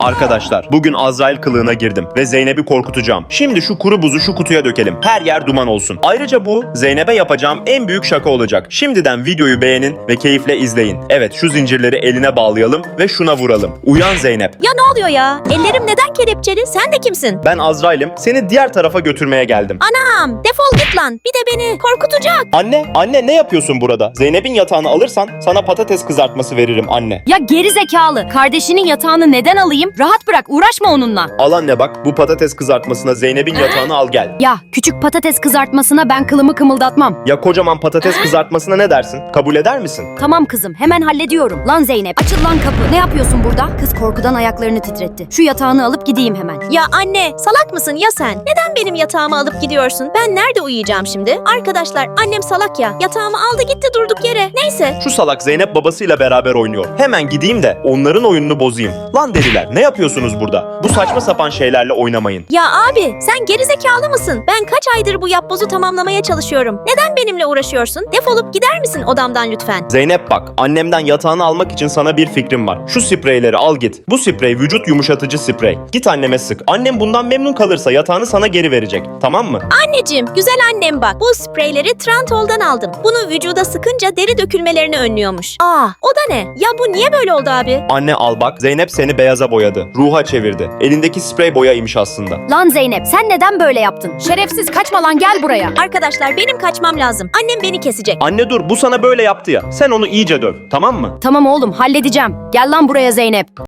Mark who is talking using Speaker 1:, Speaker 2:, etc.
Speaker 1: Arkadaşlar, bugün Azrail kılığına girdim ve Zeynep'i korkutacağım. Şimdi şu kuru buzu şu kutuya dökelim. Her yer duman olsun. Ayrıca bu Zeynep'e yapacağım en büyük şaka olacak. Şimdiden videoyu beğenin ve keyifle izleyin. Evet, şu zincirleri eline bağlayalım ve şuna vuralım. Uyan Zeynep.
Speaker 2: Ya ne oluyor ya? Ellerim neden kelepçeli? Sen de kimsin?
Speaker 1: Ben Azrail'im. Seni diğer tarafa götürmeye geldim.
Speaker 2: Anam, defol git lan. Bir de beni korkutacak.
Speaker 1: Anne ne yapıyorsun burada? Zeynep'in yatağını alırsan sana patates kızartması veririm anne.
Speaker 3: Ya geri zekalı. Kardeşinin yatağını neden alayım? Rahat bırak, uğraşma onunla.
Speaker 1: Al anne bak, bu patates kızartmasına Zeynep'in yatağını al gel.
Speaker 3: Ya küçük patates kızartmasına ben kılımı kımıldatmam.
Speaker 1: Ya kocaman patates kızartmasına ne dersin? Kabul eder misin?
Speaker 3: Tamam kızım, hemen hallediyorum. Lan Zeynep, açıl lan kapı. Ne yapıyorsun burada? Kız korkudan ayaklarını titretti. Şu yatağını alıp gideyim hemen.
Speaker 2: Ya anne, salak mısın ya sen? Neden benim yatağımı alıp gidiyorsun? Ben nerede uyuyacağım şimdi? Arkadaşlar, annem salak ya. Yatağımı aldı gitti durduk yere. Neyse.
Speaker 1: Şu salak Zeynep babasıyla beraber oynuyor. Hemen gideyim de onların oyununu bozayım. Lan deliler, ne yapıyorsunuz burada? Bu saçma sapan şeylerle oynamayın.
Speaker 2: Ya abi, sen gerizekalı mısın? Ben kaç aydır bu yapbozu tamamlamaya çalışıyorum. Neden benimle uğraşıyorsun? Defolup gider misin odamdan lütfen?
Speaker 1: Zeynep bak, annemden yatağını almak için sana bir fikrim var. Şu spreyleri al git. Bu sprey vücut yumuşatıcı sprey. Git anneme sık. Annem bundan memnun kalırsa yatağını sana geri verecek. Tamam mı?
Speaker 2: Anneciğim, güzel annem bak. Bu spreyleri Trantol'dan aldım. Bunu vücuda sıkınca deri dökülmelerini önlüyormuş. Aa, o da ne? Ya bu niye böyle oldu abi?
Speaker 1: Anne al bak, Zeynep seni beyaza boyadı. Ruha çevirdi. Elindeki sprey boyaymış aslında.
Speaker 3: Lan Zeynep, sen neden böyle yaptın? Şerefsiz, kaçma lan, gel buraya.
Speaker 2: Arkadaşlar benim kaçmam lazım. Annem beni kesecek.
Speaker 1: Anne dur, bu sana böyle yaptı ya. Sen onu iyice döv, tamam mı?
Speaker 3: Tamam oğlum, halledeceğim. Gel lan buraya Zeynep.